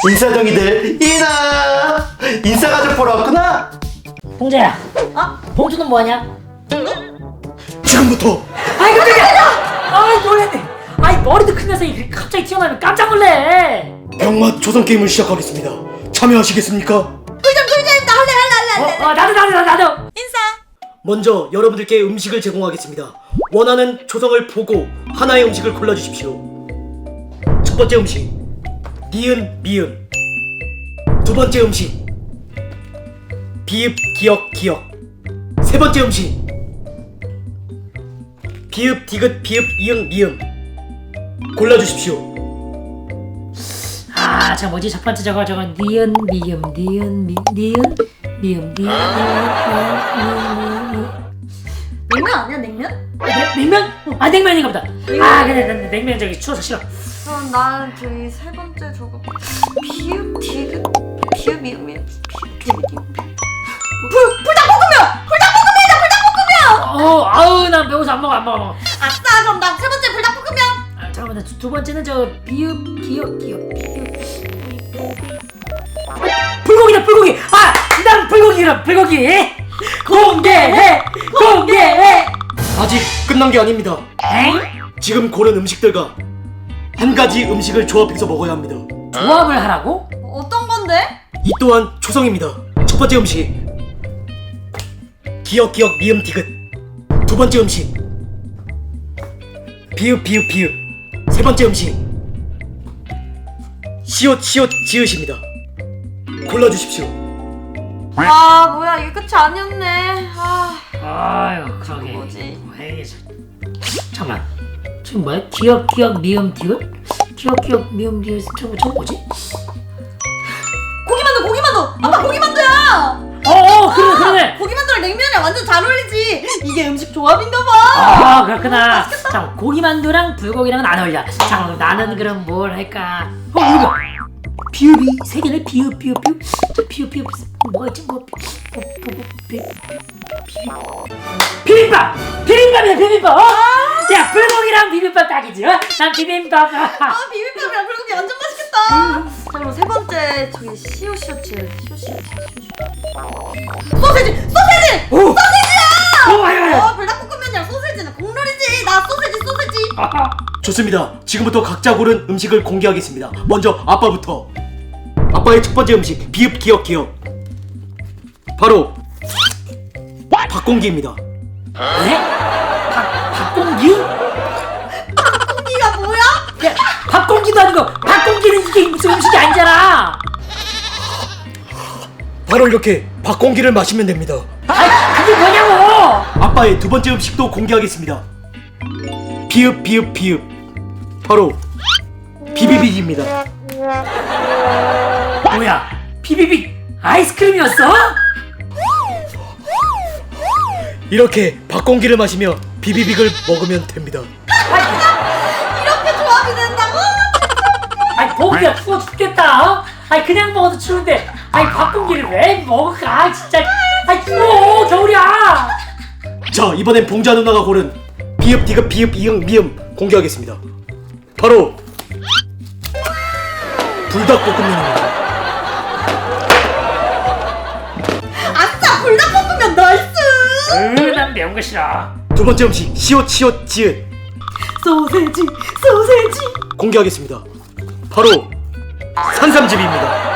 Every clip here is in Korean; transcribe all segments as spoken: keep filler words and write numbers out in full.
인사동이들 이나 인사가족 보러 왔구나. 봉자야. 어? 봉주는 뭐하냐? 지금부터 아이 깜짝이야. 아이 놀랬네. 아이 머리도 큰 녀석이 갑자기 튀어나오면 깜짝 놀래. 병맛 조선 게임을 시작하겠습니다. 참여하시겠습니까? 꿀잼 꿀잼 나 할래 할래 할래 할래 어, 어 나도 나도 나도 나도. 인사. 먼저 여러분들께 음식을 제공하겠습니다. 원하는 조성을 보고 하나의 음식을 골라주십시오. 첫 번째 음식 니은 미음. 두 번째 음식 비읍 기역 기역. 세 번째 음식 비읍 디귿 비읍 이응 미음. 골라주십시오. 아, 저 뭐지? 첫 번째 저거 저거 니은 미음 니은 미 니은 미음 니은 미음 미음 냉면 아니야 냉면? 냉- 냉면? 아 냉면인가 보다. 아 근데 난 냉면 저기 추워서 싫어. 그럼 난 저기 세 번째 저거 비읍 디귿 비읍 미음 미음 비읍 디귿 미음 불 불닭볶음면 불닭볶음면이다 불닭볶음면. 어 아우 난 매워서 안 먹어 안 먹어 안 먹어. 아싸 그럼 나 세 번째 불닭볶음면. 아 잠깐만 두, 두 번째는 저 비읍 기역 기역 비읍 불고기다 불고기. 아난 불고기라 불고기. 공개해 공개해. 아직 끝난 게 아닙니다. 엥? 지금 고른 음식들과 한 가지 음식을 조합해서 먹어야 합니다. 조합을 하라고? 어떤 건데? 이 또한 초성입니다. 첫 번째 음식 기역 기역 미음 디귿. 두 번째 음식 비읍 비읍 비읍. 세 번째 음식 시옷 시옷 지읒입니다. 골라주십시오. 아 뭐야 이게 끝이 아니었네. 아 아유 그러게. 뭐지? 에이, 저- 잠깐만 지금 뭐야? 기역 기역 미음 디귿? 기역 기역 미음 디귿 저거 저거 뭐지? 고기만두 고기만두 아빠 고기만두야. 어어 그러네 그러네. 고기만두랑 냉면이랑 완전 잘 어울리지. 이게 음식 조합인가봐. 아 그렇구나. 자 고기만두랑 불고기랑은 안 어울려. 자 그럼 나는 그럼 뭘 할까? 어 이거 비읍이 세 개네. 비읍 비읍 비읍. 자 비읍 비읍 뭐가 있지? 뭐 비, 뭐, 뭐, 뭐, 비, 비, 비빔밥 비빔밥이야 비빔밥. 어? 야 불고기랑 비빔밥 딱이지. 어? 난 비빔밥. 아 비빔밥이랑 불고기 완전 맛있겠다. 자 그럼 세 번째 저기 시오시오츠 시오시오츠 소세지 소세지 오. 소세지야. 오 아유 아유. 어 불닭볶음면이랑 소세지는 국룰이지. 나 소세지 소세지. 아하. 좋습니다. 지금부터 각자 고른 음식을 공개하겠습니다. 먼저 아빠부터. 아빠의 첫 번째 음식 비읍 기역 기역. 바로 박공기입니다. 네? 박 박공기? 고기가 뭐야? 야, 밥공기도 아니고 밥공기는 이게 무슨 음식이 아니잖아. 바로 이렇게 박공기를 마시면 됩니다. 아이 그게 뭐냐고. 아빠의 두 번째 음식도 공개하겠습니다. 비읍 비읍 비읍. 바로 비비빅입니다. 뭐야? 비비빅 아이스크림이었어? 이렇게 박공기를 마시며 비비빅을 먹으면 됩니다. 이렇게 조합이 된다고? 아이 보기가 추워 죽겠다. 어? 아이 그냥 먹어도 추운데 아이 밥공기를 왜 먹을까? 아 진짜 아이 추워 겨울이야. 자 이번엔 봉자 누나가 고른 비읍 디귿 비읍 이응 미음 공개하겠습니다. 바로 불닭볶음면입니다. 아싸 불닭볶음면 나이스. 으난 매운 거 싫어. 두 번째 음식 시옷 시옷 지읒 소세지 소세지. 공개하겠습니다. 바로 산삼즙입니다.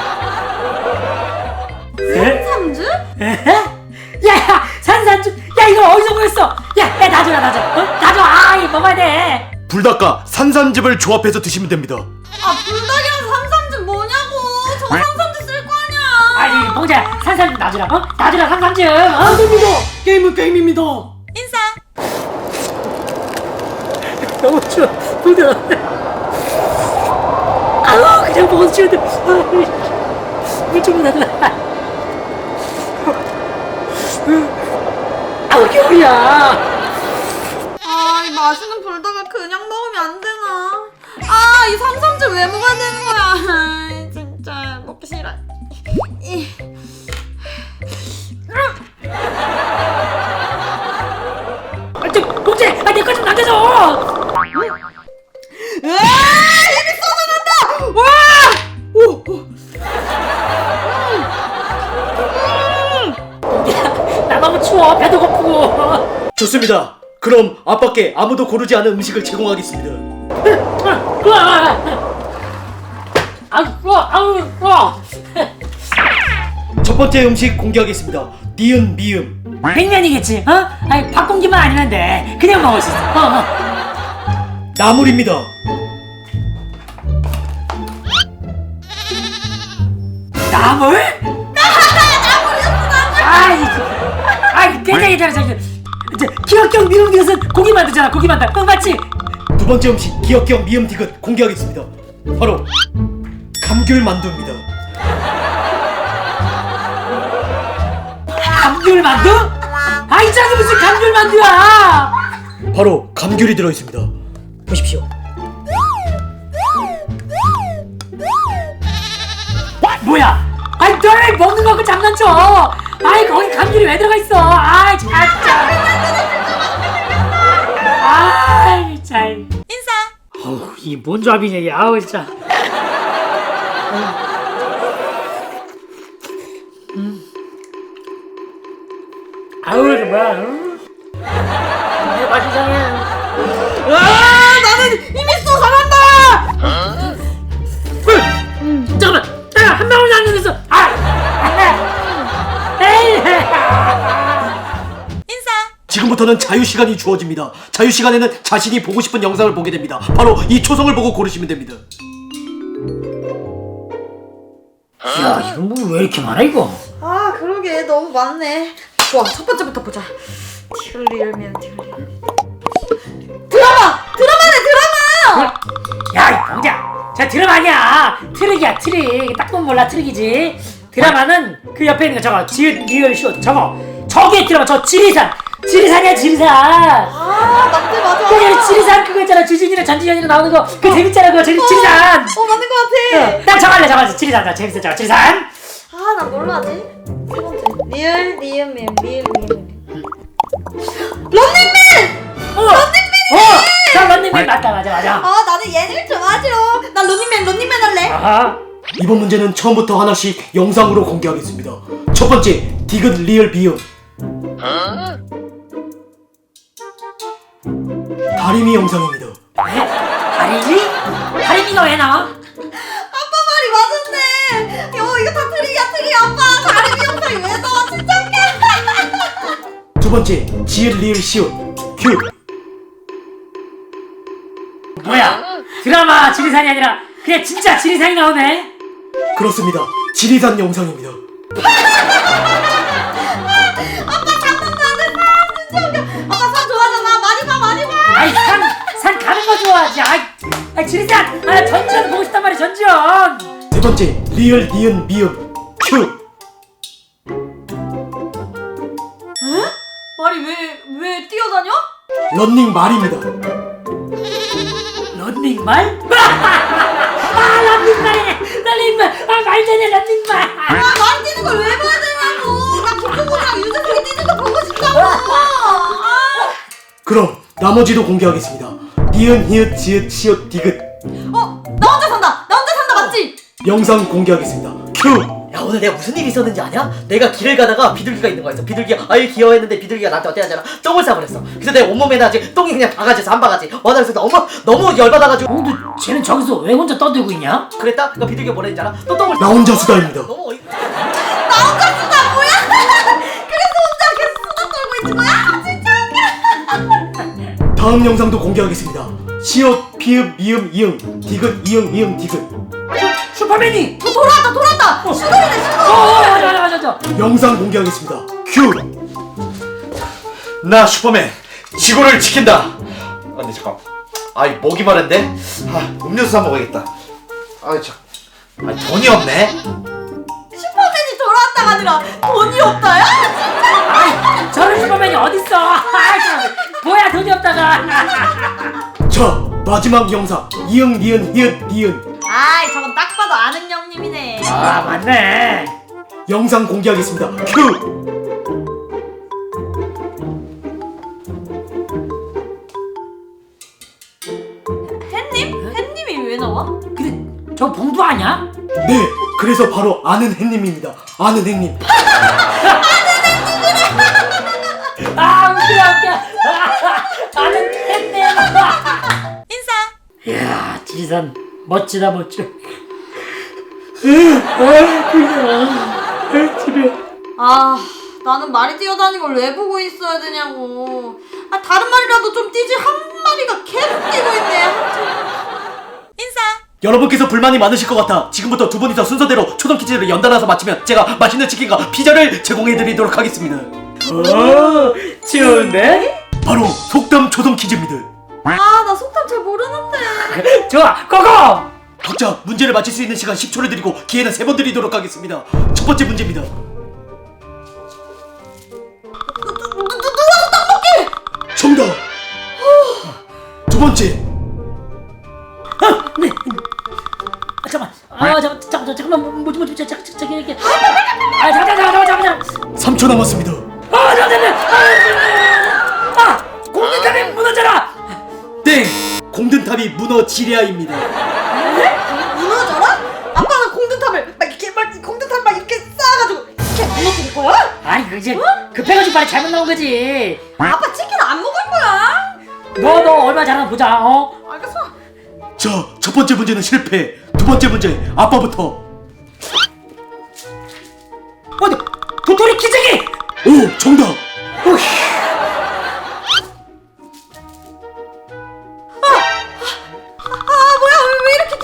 에? 삼주? 에헤? 야야 산산주 야 이거 어디서 구했어? 야야 놔줘라 놔줘. 어? 놔줘. 아이 먹어야 돼. 불닭과 산삼즙을 조합해서 드시면 됩니다. 아 불닭이랑 삼삼즙 뭐냐고. 저 삼삼즙 쓸 거 아니야. 아니 봉자 산산주 놔주라. 어? 놔주라 산산주. 어? 됩니다. 게임은 게임입니다. 인사. 너무 추워. 봉자. 아우 그냥 먹어도 추운데. 물좀 놔주라. 아우 겨울이야. 아, 이 맛있는 불닭을 그냥 먹으면 안 되나? 아, 이 삼삼즙 왜 먹어야 되는 거야? 아, 진짜 먹기 싫어. 이. 아, 저 봉자, 아 내 거 좀 남겨줘. 으아! 입이 쏟아낸다! 와! 오! 좋습니다. 그럼 앞밖에 아무도 고르지 않은 음식을 제공하겠습니다. 아, 어, 아우, 어. 첫 번째 음식 공개하겠습니다. 니은 미음. 백면이겠지, 어? 아니 밥공기만 아니면 돼. 그냥 먹을 수 있어. 어, 어. 나물입니다. 나물? 아이, 아이, 괜찮아, 괜찮아, 괜찮아. 이제 기억경 미음 디귿은 고기 만두잖아, 고기 만두. 응, 맞지? 두 번째 음식 기억경 미음 디귿 공개하겠습니다. 바로 감귤 만두입니다. 감귤 만두? 아이, 저기 무슨 감귤 만두야? 바로 감귤이 들어있습니다. 보십시오. 뭐야? 아이, 널 먹는 거고 장난쳐. 아이, 거기 감귤이 왜 들어가 있어? 아이, 진짜. 아이, 참. 인사. 어우, 이 뭔 조합이냐, 이게. 아우, 진짜. 음. 아우, 이게 뭐야. 음. 이게 맛 이상해. 아, 나는 이미 또 잘한다. 음, 잠깐만. 내가 한 방울도 안 넣었어. 아! 에이! 인사. 지금부터는 자유 시간이 주어집니다. 자유 시간에는 자신이 보고 싶은 영상을 보게 됩니다. 바로 이 초성을 보고 고르시면 됩니다. 야, 이거 뭐 왜 이렇게 많아, 이거? 아, 그러게 너무 많네. 좋아, 첫 번째부터 보자. 티글리얼면 티글리얼. 드라마! 드라마네, 드라마! 야, 이 병자! 자, 드라마 아니야! 트릭이야, 트릭. 딱 보면 몰라, 트릭이지. 드라마는 그 옆에 있는 거 저거, 지읒, 리얼, 숏, 저거. 저게 드라마, 저 지리산! 지리산이야, 지리산! 아, 맞네, 맞아. 그게 지리산 그거 있잖아, 주진이랑 전지현이랑 나오는 거. 그거 재밌잖아, 그거, 지, 지리산! 어, 맞는 것 같아. 어, 난 저거 저거, 지리산, 저 재밌었죠, 지리산! 아, 나 뭘로 하지? 세 번째. 리얼, 리얼, 면, 리얼, 리얼. 런닝맨! 어! 어! 저 런닝맨 맞다, 맞아, 맞아. 아, 나는 얘를 좋아하지로. 나 런닝맨, 런닝맨 할래. 아하. 이번 문제는 처음부터 하나씩 영상으로 공개하겠습니다. 첫 번째 디귿 리얼 비음. 다리미 영상입니다. 다리미? 다리미가 왜 나와? 아빠 말이 맞았네. 요, 이거 다 트릭이야, 트릭. 아빠, 다리미 영상이 왜 나와? 진짜 웃겨. 두 번째 지읒 리얼 시읒 큐. 뭐야? 드라마 지리산이 아니라 그냥 진짜 지리산이 나오네? 그렇습니다. 지리산 영상입니다. 아빠 장난하는 사람 진짜 웃겨. 아빠 산 좋아하잖아. 많이 봐, 많이 봐. 아이 산, 산 가는 거 좋아하지. 아이, 아이 지리산! 아 전지현 보고 싶단 말이야, 전지현! 세 번째 리얼 니은 미음 큐. 에? 말이 왜, 왜 뛰어다녀? 런닝 말입니다. 런닝말? 아 런닝말이네! 런닝말! 아 말되네, 런닝말! 아, 말 뛰는 걸 왜 봐야 되냐고. 나 김종국이랑 유재석이 뛰는 거 보고 싶다고. 아. 그럼 나머지도 공개하겠습니다. 니은 히읗 지읒 시읒 디귿. 어, 나 혼자 산다. 나 혼자 산다, 맞지? 영상 공개하겠습니다. 큐. 야, 오늘 내가 무슨 일이 있었는지 아냐? 내가 길을 가다가 비둘기가 있는 거였어. 비둘기가 아유 귀여워했는데 비둘기가 나한테 어때 하잖아. 똥을 싸버렸어. 그래서 내 온몸에는 아직 똥이 그냥 바가지에서 한 바가지. 와, 나 그래서 너무 너무 열받아가지고 어, 근데 쟤는 저기서 왜 혼자 떠들고 있냐? 그랬다? 그러니까 비둘기가 뭐라 했잖아. 또 똥을 나 혼자 수다입니다. 너무 어이... 나 혼자 쓰다 뭐야? 그래서 혼자 계속 수다 떨고 있는 거야? 진짜 웃겨. 다음 영상도 공개하겠습니다. 시읒 피읒 미음 이응 디귿 이응 이응 디귿. 슈퍼맨이! 어, 돌아왔다, 돌아왔다. 어. 슈돌이네, 어, 슈돌. 어, 맞아, 맞아, 맞아, 맞아. 영상 공개하겠습니다. 큐. 나 슈퍼맨 지구를 지킨다. 아 근데 잠깐. 아이 목이 마른데. 아 음료수 사 먹어야겠다. 아이 참. 아 돈이 없네. 슈퍼맨이 돌아왔다가 아니라 돈이 없다야? 아이, 저런 슈퍼맨이 어딨어? 아이, 참. 뭐야, 돈이 없다가. 자 마지막 영상 이응 니은 히읗 니은. 아이, 저건 딱 봐도 아는 형님이네. 아, 맞네. 영상 공개하겠습니다. 큐. 햇님? 햇님이 왜 나와? 근데 저 봉두 아니야? 네, 그래서 바로 아는 햇님입니다. 아는 햇님. 아, 웃겨, 웃겨. 아, 인사. 이야, 지리산 멋지다 멋져. 아, 나는 말이 뛰어다니는 걸 왜 보고 있어야 되냐고. 아, 다른 말이라도 좀 뛰지. 한 마리가 계속 뛰고 있네. 인사. 여러분께서 불만이 많으실 것 같아 지금부터 두 분이서 순서대로 초성 퀴즈를 연달아서 맞히면 제가 맛있는 치킨과 피자를 제공해드리도록 하겠습니다. 오, 좋은데? 바로 속담 초성 퀴즈입니다. 아, 나 속담 잘 모르는데. 좋아, 고고! 각자 문제를 맞힐 수 있는 시간 십 초를 드리고 기회는 세 번 드리도록 하겠습니다. 첫 번째 문제입니다. 정답! 두 번째! 아, 네. 아, 잠깐만. 아, 잠깐, 잠깐, 잠깐만. 뭐지, 뭐지, 잠깐, 잠깐, 이렇게. 아, 잠깐, 잠깐, 잠깐, 잠깐. 삼 초 남았습니다. 아, 잠깐, 잠깐. 아, 공깃탑이 무너져라. 땡! 공든탑이 무너지랴입니다. 무너져라? 아빠는 공든탑을 막 이렇게 막 공든탑 막 이렇게 쌓아가지고 이렇게 무너뜨릴 거야? 아니, 그 이제 급해가지고 말이 잘못 나온 거지. 아빠 치킨 안 먹을 거야? 너, 너 얼마 잘하나 보자. 어? 알겠어. 자, 첫 번째 문제는 실패. 두 번째 문제, 아빠부터. 어디? 도토리 기저귀. 오, 정답! 아, 뭐야? 왜, 왜 이렇게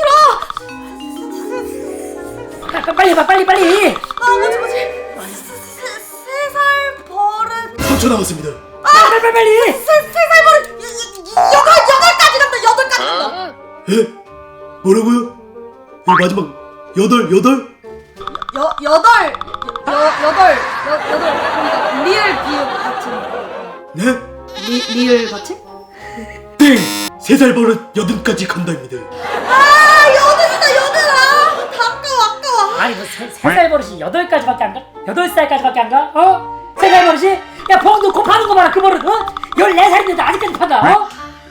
길어? 아, 빨리 해봐, 빨리, 빨리. 아, 뭐지 뭐지? 세 살 버릇. 삼 초 남았습니다. 빨리, 빨리, 빨리. 세살 버릇. 이- 이- 이- 여덟 여덟까지 간다. 여덟까지 간다. 에? 뭐라고요? 이 마지막 여덟, 여덟? 여 여덟 여 여덟 여 여덟 그러니까 리을 비읍 같은. 네? 리 리을 같이? 땡! 세 살 버릇 여든까지 간다입니다. 아, 여덟이다 여덟. 아, 다 아까워 아까워. 아니, 뭐세살 버릇이 여덟 가지밖에 안 가? 여덟 살까지밖에 안 가? 어? 세 살 버릇이? 야, 봉 넣고 파는 거 봐라, 그 버릇. 어? 열네 살인데도 아직까지 판다. 어?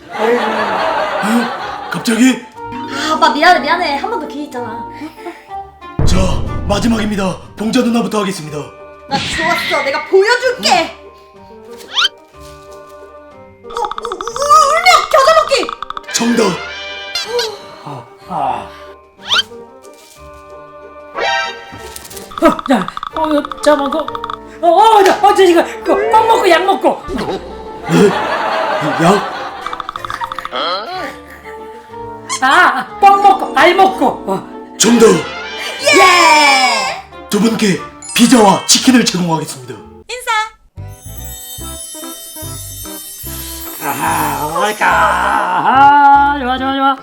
에? 갑자기? 아, 아빠 미안해 미안해. 한 번 더 기회 있잖아. 자, 마지막입니다. 봉자 누나부터 하겠습니다. 나 좋았어. 내가 보여줄게. 어, 우, 우, 울며 겨자 먹기. 정답! 아. 어, 야, 어, 이거 잠깐만, 그, 어, 어, 저, 어, 저 이거, 그, 껌 먹고 약 먹고. 에? 약? 아, 껌 먹고, 알 먹고. 어. 정답! 예. 두 분께 피자와 치킨을 제공하겠습니다. 인사. 아하, 뭘까? 아, 좋아, 좋아, 좋아.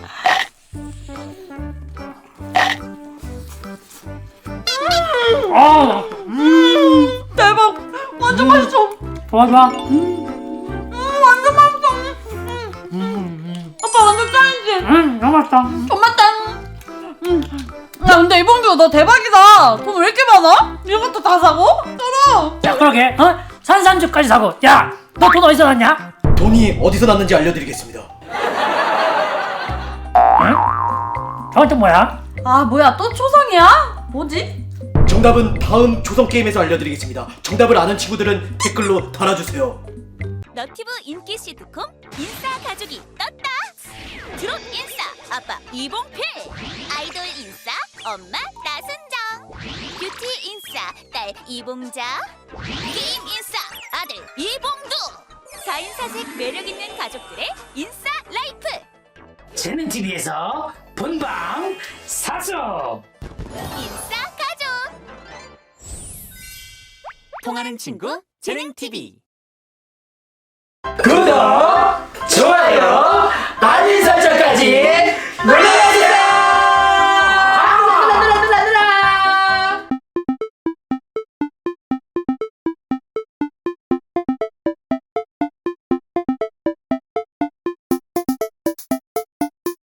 아, 음, 대박. 완전 맛있어. 좋아, 좋아. 음, 완전 맛있어. 음. 음, 아빠 완전 짱이지. 음, 너무 맛있다. 정말 짱. 음. 야, 근데 이봉주 너 대박이다. 돈 왜 이렇게 많아? 이것도 다 사고? 쩔어. 야, 그러게, 어? 산산주까지 사고. 야, 너 돈 어디서 났냐? 돈이 어디서 났는지 알려드리겠습니다. 응? 저건 또 뭐야? 아, 뭐야 또 초성이야? 뭐지? 정답은 다음 조성 게임에서 알려드리겠습니다. 정답을 아는 친구들은 댓글로 달아주세요. 너티브 인기 시트콤 인싸 가족이 떴다. 드롭 인싸 아빠 이봉필, 아이돌 인싸 엄마 나순정, 뷰티 인싸 딸 이봉자, 게임 인싸 아들 이봉두. 사인사색 매력있는 가족들의 인싸 라이프. 재능티비에서 본방 사수. 인싸 가족. 통하는 친구 재능티비. 구독!